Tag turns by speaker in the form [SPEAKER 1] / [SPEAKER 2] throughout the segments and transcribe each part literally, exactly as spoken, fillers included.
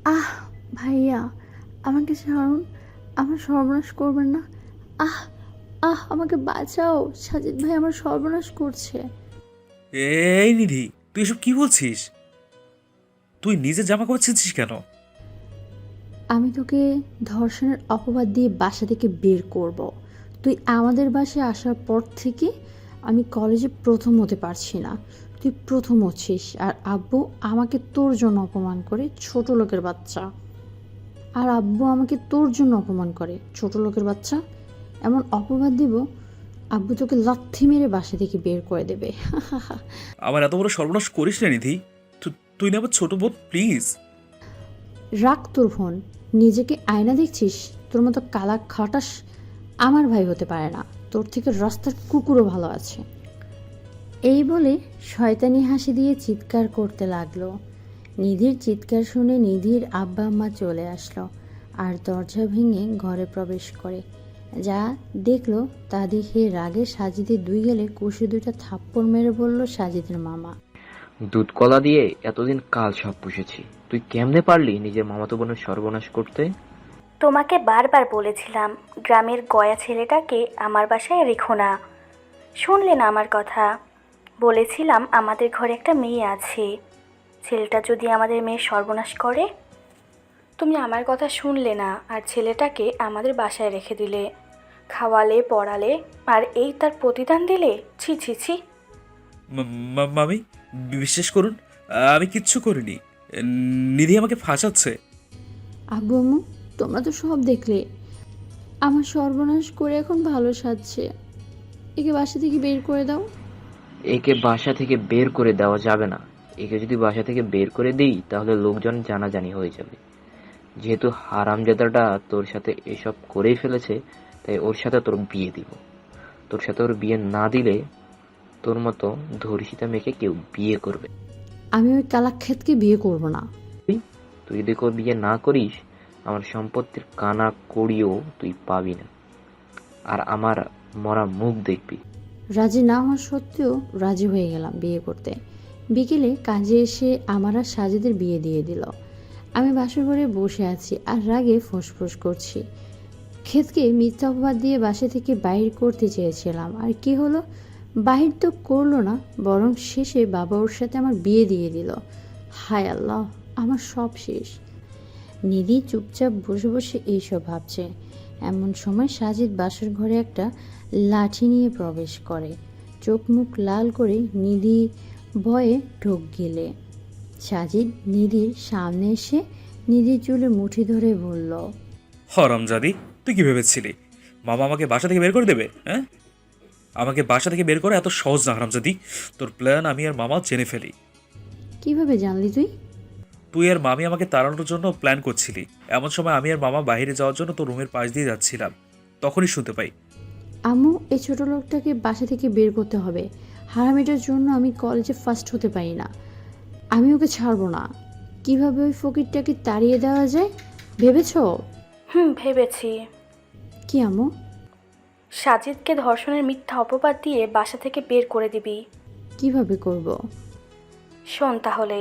[SPEAKER 1] আহ ভাইয়া, আমাকে ছাড়ুন, আমার সর্বনাশ করবেন না। আহ আহ আমাকে বাঁচাও, সাজিদ ভাই আমার সর্বনাশ করছে।
[SPEAKER 2] এই নিধি, তুই এসব কি বলছিস? তুই নিজের জামা কাপড় ছিঁড়ছিস কেন?
[SPEAKER 1] আমি তোকে ধর্ষণের অপবাদ দিয়ে বাসা থেকে বের করব। তুই আমাদের বাসায় আসার পর থেকে আমি কলেজে প্রথম হতে পারছি না। তুই প্রথম হচ্ছিস, আর আব্বু আমাকে তোর জন্য অপমান করে, ছোট লোকের বাচ্চা। আর আব্বু আমাকে তোর জন্য অপমান করে, ছোট লোকের বাচ্চা। এমন অপবাদ দিব, আব্বু তোকে লাথি মেরে বাসা থেকে বের করে দেবে।
[SPEAKER 2] আমার এত বড় সর্বনাশ করিস না নিধি। তু- তুই না আমার ছোট বোন, প্লিজ।
[SPEAKER 1] রাখ তোর ফোন। নিজেকে আয়না দেখছিস? তোর মতো কালা খাটাস আমার ভাই হতে পারে না। তোর থেকে রাস্তার কুকুরও ভালো আছে। এই বলে শয়তানি হাসি দিয়ে চিৎকার করতে লাগলো। নিধির চিৎকার শুনে নিধির আব্বা আম্মা চলে আসলো আর দরজা ভেঙে ঘরে প্রবেশ করে। যা দেখলো তা দেখে রাগে সাজিদের দুই গেলে কষে দুইটা থাপ্পড় মেরে বলল সাজিদের মামা।
[SPEAKER 3] দুধ কলা দিয়ে এতদিন কাল সব পুষেছি, তুই কেমনে পারলি নিজের মামাতো বোনের সর্বনাশ করতে?
[SPEAKER 4] তোমাকে বারবার বলেছিলাম গ্রামের গয়া ছেলেটাকে আমার বাসায় রেখো না, শুনলে না আমার কথা। বলেছিলাম আমাদের ঘরে একটা মেয়ে আছে, ছেলেটা যদি আমাদের মেয়ের সর্বনাশ করে। তুমি আমার কথা শুনলে না, আর ছেলেটাকে আমাদের বাসায় রেখে দিলে, খাওয়ালে পড়ালে, আর এই তার প্রতিদান দিলে। ছি ছি ছি।
[SPEAKER 2] মা- মা- মামি, বিশ্বাস করুন, আমি কিচ্ছু করিনি। নিধি আমাকে ফাঁসাচ্ছে।
[SPEAKER 1] আব্বু আম্মু, তোমরা তো সব দেখলে। আমার সর্বনাশ করে এখন ভালো সাজছে। একে বাসা থেকে বের করে দাও।
[SPEAKER 3] একে বাসা থেকে বের করে দেওয়া যাবে না। একে যদি বাসা থেকে বের করে দিই তাহলে লোকজন জানাজানি হয়ে যাবে। যেহেতু হারামজাদাটা তোর সাথে এসব করেই ফেলেছে, তাই ওর সাথে তোর বিয়ে দিব। তোর সাথে ওর বিয়ে না দিলে তোর মতো ধর্ষিতা মেয়েকে কেউ বিয়ে করবে।
[SPEAKER 1] আমি ওই কালাক্ষেতকে বিয়ে করব না।
[SPEAKER 3] তুই তুই যদি কেউ বিয়ে না করিস, আমার সম্পত্তির কানা কড়িও তুই পাবি না, আর আমার মরা মুখ দেখবি।
[SPEAKER 1] রাজি না হওয়া সত্ত্বেও রাজি হয়ে গেলাম বিয়ে করতে। বিকেলে কাজে এসে আমার আর সাজিদের বিয়ে দিয়ে দিল। আমি বাসর ঘরে বসে আছি আর রাগে ফোঁসফোঁস করছি। ক্ষেতকে মিথ্যা অপবাদ দিয়ে বাসা থেকে বাহির করতে চেয়েছিলাম, আর কি হলো? বাহির তো করলো না, বরং শেষে বাবা ওর সাথে আমার বিয়ে দিয়ে দিল। হায় আল্লাহ, আমার সব শেষ। নিধি চুপচাপ বসে বসে এইসব ভাবছে। এমন সময় সাজিদ বাসর ঘরে একটা লাঠি নিয়ে প্রবেশ করে। চোখ মুখ লাল করে নিধি ভয়ে ঢোক গেলে সাজিদ নিধির সামনে এসে নিধির চুলে মুঠি ধরে বলল,
[SPEAKER 2] হরমজাদি, তুই কি ভেবেছিলি মামা আমাকে বাসা থেকে বের করে দেবে? হ্যাঁ, আমাকে বাসা থেকে বের করা এত সহজ না হারামজাদি। তোর প্ল্যান আমি আর মামা জেনে ফেলি।
[SPEAKER 1] কিভাবে জানলি তুই?
[SPEAKER 2] তুই আর মামি আমাকে তাড়ানোর জন্য প্ল্যান করছিলি। এমন সময় আমি আর মামা বাইরে যাওয়ার জন্য তোর রুমের পাশ দিয়ে যাচ্ছিলাম, তখনই শুনতে পাই।
[SPEAKER 1] আম্মু, এই ছোট লোকটাকে বাসা থেকে বের করতে হবে। হারামিটার জন্য আমি কলেজে ফার্স্ট হতে পারি না। আমি ওকে ছাড়বো না। কিভাবে ওই ফকিরটাকে তাড়িয়ে দেওয়া যায় ভেবেছো?
[SPEAKER 4] হুম, ভেবেছি।
[SPEAKER 1] কি আম্মু?
[SPEAKER 4] সাজিদকে ধর্ষণের মিথ্যা অপবাদ দিয়ে বাসা থেকে বের করে দিবি।
[SPEAKER 1] কিভাবে করব?
[SPEAKER 4] শোন তাহলে।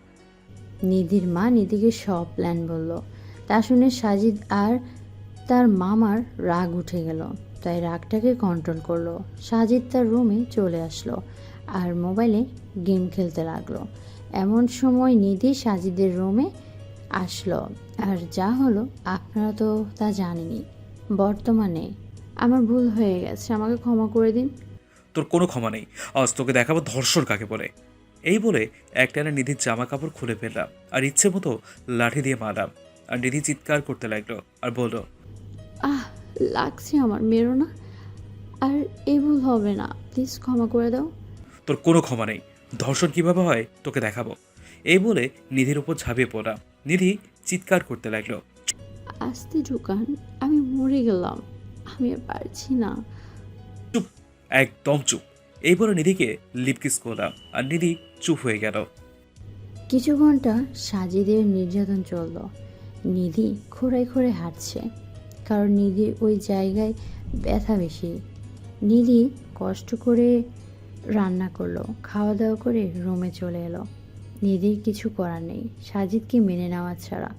[SPEAKER 1] নিধির মা নিধিকে সব প্ল্যান বলল। তা শুনে সাজিদ আর তার মামার রাগ উঠে গেল, তাই রাগটাকে কন্ট্রোল করলো। সাজিদ তার রুমে চলে আসলো আর মোবাইলে গেম খেলতে লাগলো। এমন সময় নিধি সাজিদের রুমে আসলো, আর যা হলো আপনারা তো তা জানেনই। বর্তমানে আমার ভুল হয়ে গেছে, আমাকে ক্ষমা করে দিন।
[SPEAKER 2] তোর কোনো ক্ষমা নেই। আজ তোকে দেখাবো ধর্ষণ কাকে বলে। এই বলে একটানা নিধির জামা কাপড় খুলে ফেললাম আর ইচ্ছে মতো লাঠি দিয়ে মারলাম। আর নিধি চিৎকার করতে লাগলো আর বলল,
[SPEAKER 1] আহ, লাগছে আমার, মেরো না। আর এই ভুল হবে না, প্লিজ ক্ষমা করে দাও।
[SPEAKER 2] তোর কোনো ক্ষমা নেই। ধর্ষণ কিভাবে হয় তোকে দেখাবো। এই বলে নিধির উপর ঝাঁপিয়ে পড়লাম। নিধি চিৎকার করতে লাগলো,
[SPEAKER 1] আস্তে ঢুকান, আমি মরে গেলাম, আমি আর পারছি না।
[SPEAKER 2] চুপ, একদম চুপ। এই বলে নিধিকে লিপকিস করলাম আর নিধি চুপ হয়ে গেল।
[SPEAKER 1] কিছু ঘন্টা সাজিদের নির্যাতন চলল। নিধি খোঁড়ায় খোঁড়ে হাঁটছে, কারণ নিধির ওই জায়গায় ব্যথা বেশি। নিধি কষ্ট করে রান্না করলো, খাওয়া দাওয়া করে রুমে চলে এলো। নিধির কিছু করার নেই সাজিদকে মেনে নেওয়া ছাড়া।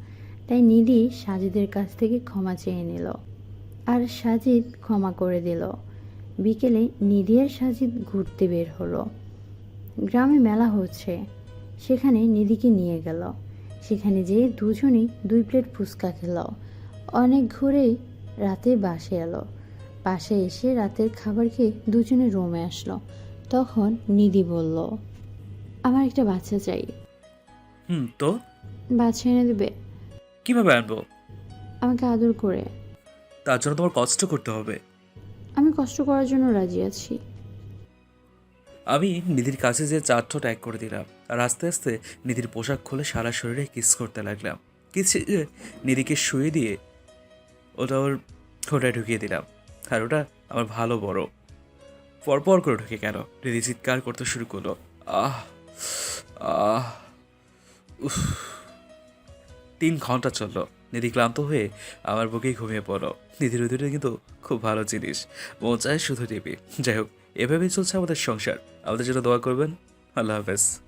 [SPEAKER 1] তাই নিধি সাজিদের কাছ থেকে ক্ষমা চেয়ে নিল আর সাজিদ ক্ষমা করে দিল। বিকেলে নিধি আর সাজিদ ঘুরতে বের হলো। গ্রামে মেলা হচ্ছে, সেখানে নিধিকে নিয়ে গেল। সেখানে যেয়ে দুজনেই দুই প্লেট ফুচকা খেল। অনেক ঘুরে রাতে বাসে এলো। পাশে এসে রাতের খাবার খেয়ে দুজনে রুমে আসলো। তখন নিধি বলল, আমার একটা বাচ্চা চাই।
[SPEAKER 2] হুম, তো
[SPEAKER 1] বাচ্চা এনে দেবে?
[SPEAKER 2] কিভাবে আনবো?
[SPEAKER 1] আমাকে আদর করে।
[SPEAKER 2] তার জন্য তোমার কষ্ট করতে হবে।
[SPEAKER 1] আমি কষ্ট করার জন্য রাজি আছি।
[SPEAKER 2] আমি নিধির কাছে যে চার ঠোঁট এক করে দিলাম আর আস্তে আস্তে নিধির পোশাক খুলে সারা শরীরে কিস করতে লাগলাম। কিসে নিধিকে শুয়ে দিয়ে ওটা ওর ঠোঁটে ঢুকিয়ে দিলাম। আর ওটা আমার ভালো বড়। পরপর করে ঢুকে গেল। নিধি চিৎকার করতে শুরু করলো, আহ আহ উফ। তিন ঘন্টা চললো। নিধি ক্লান্ত হয়ে আমার বুকেই ঘুমিয়ে পড়লো। নিধির উদুরে কিন্তু খুব ভালো জিনিস, মন চায় শুধু টিপি। যাই হোক, এভাবেই চলছে আমাদের সংসার। আমাদের জন্য দোয়া করবেন। আল্লাহ হাফেজ।